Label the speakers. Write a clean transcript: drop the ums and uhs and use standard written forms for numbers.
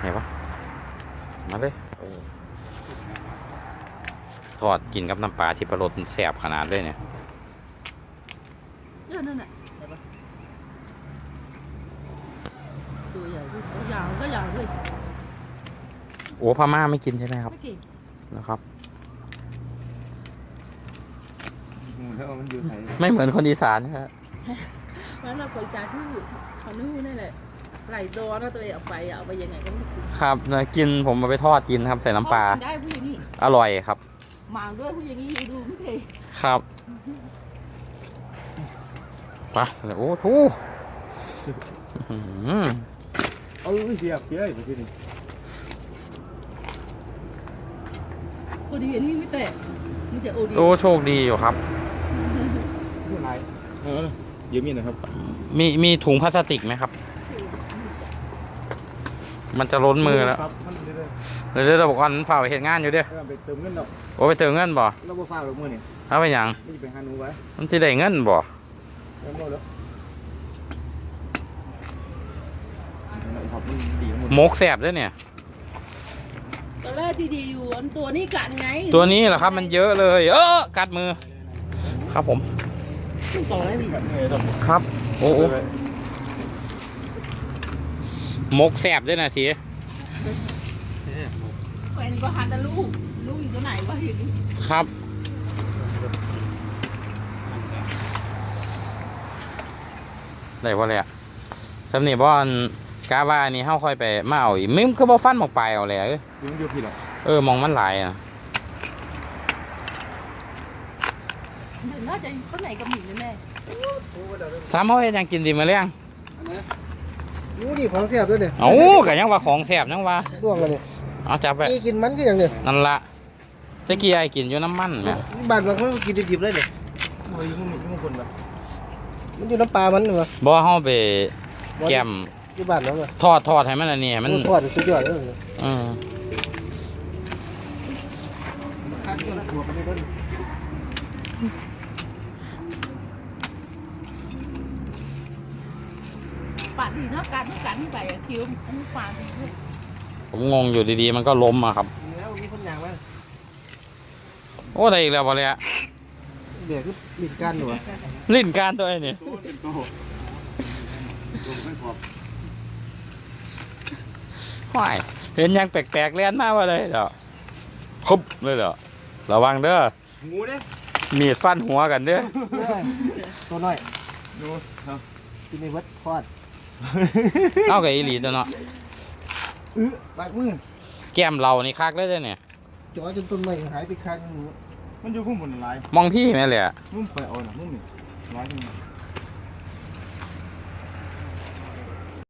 Speaker 1: เห็นปะมาเลยทอดกินกับน้ำปลาที่ปลาโรสแสบขนาดเลยเนี่ย
Speaker 2: นั่นน่ะเห็นปะตัวใหญ่ยาวก็ยาวเลย
Speaker 1: โอ้พม่าไม่กินใช่ไหมครับ
Speaker 2: ไม่กิน
Speaker 1: นะครับ
Speaker 3: มันอยู่ไหน
Speaker 1: ไม่เหมือนคนอีสานนะครับ
Speaker 2: แล้วเราไปจ่ายที่เขานู่นนั่นแหละไหลตัวนะตัวเองเอาไปยังไงก็ไม่กิน
Speaker 1: ครับกินผมมาไปทอดกินครับใส่น้ำปลา
Speaker 2: ได้ผู้หญิงนี่
Speaker 1: อร่อยครับ
Speaker 2: มาด้วยผู้หญิงนี่ดูไม่เคย
Speaker 1: ครับไปโอ้ทู
Speaker 3: เอาเสียบไปที่นี่
Speaker 2: พอดีอันนี้ไม่แตะมีแต่โอดี
Speaker 1: โอ้โชคดีอยู่ครับ
Speaker 3: ไม่ไรเยอะมีนะครับ
Speaker 1: มีถุงพลาสติกไหมครับมันจะล้นมือแล้วเดี๋ยวเราบอกว่าฝ่าไปเห็นงานอยู่เด้อ
Speaker 3: ไปเติมเงินดอก
Speaker 1: โอ้ไปเติมเงินบ่
Speaker 3: เราบ่ฝ่าหรอกมือนี่
Speaker 1: เอาไปยัง
Speaker 3: นี่ไปหาหนูไว้
Speaker 1: มันจะได้เงินบ่มกแสบด้วยเนี่ย
Speaker 2: ตอนแรกดีๆอยู่อันตัวนี้กัดไง
Speaker 1: ตัวนี้เหรอครับมันเยอะเลยกัดมือครับผม
Speaker 2: ต่อได้ดิ
Speaker 1: ครับโอ้มกแสบด้วยนะสิ
Speaker 2: แฟนก็หันแต่ลูกอยู่ตัวไหนวะอยู่นี่
Speaker 1: ครับได้บ่เลยอ่ะทำนี่บ่อนกาว่านี่เฮาค่อยไปมาเอาอีกมึงก็บ่ฟันหมอกปลายเอาเลย
Speaker 3: ยังอยู่พี่หร
Speaker 1: อมองมันหลายอ่ะ
Speaker 2: น่าจะคนไหนกับหมิ่นแม่
Speaker 1: สามเฮาเฮ็ดหยังกินดีมาเลี้ยง
Speaker 3: รู้ดิของแซ่บด้วยเนี่ย
Speaker 1: ก็ยังว่าของแซ่บยังว่า
Speaker 3: ร่วงเลยเนี่ย
Speaker 1: เอาจับไป
Speaker 3: กินมันก็อย่างเนี่ย
Speaker 1: นั่นละตะกี้ไอ้กินอยู่น้ำมันแม่
Speaker 3: บ้านบางคนก็กินดิบๆเลยเนี่ยโอ้ยยุ่งคนแบบมันอยู่น้ำปลามันเหรอ
Speaker 1: บ่เฮาไปแกม
Speaker 3: ที่บ้านแล้ว
Speaker 1: ทอดให้มันอันนี้มัน
Speaker 3: ทอดสุดยอดเลย
Speaker 2: ปาดดีเนาะการทุกการที่ไปคิวอันนี้ปาดดีด้วย
Speaker 1: ผมงงอยู่ดีๆมันก็ล้มอะครับ
Speaker 3: แล้วมีคนอย่างมั้ย
Speaker 1: โอ้ได้อีกแล้วบ่เลยอะ
Speaker 3: เดี๋ยวคือลิ้นการหนู
Speaker 1: ลิ้นการตัวไอ้นี่ห้อยเห็นยังแปลกๆเล่นมาว่าเลยเด้อคุบเลยเด้อระวังเด้อ
Speaker 3: งูเด้
Speaker 1: มีดฟันหัวกันเด้อ
Speaker 3: ตัวน้อยดูที่ในวัดทอด
Speaker 1: เอากับอีหลีตัวเนาะ
Speaker 3: ปากมือ
Speaker 1: แก้มเรานี่คักเลยเนี่ย
Speaker 3: จ่อจนต้นไม้หายไปข้างมันอยู่ข้างบนลาย
Speaker 1: มองพี่ไหมเลยอะ
Speaker 3: มุ่งไปเอาหน่ะมุ่งนี่ร้อยนึง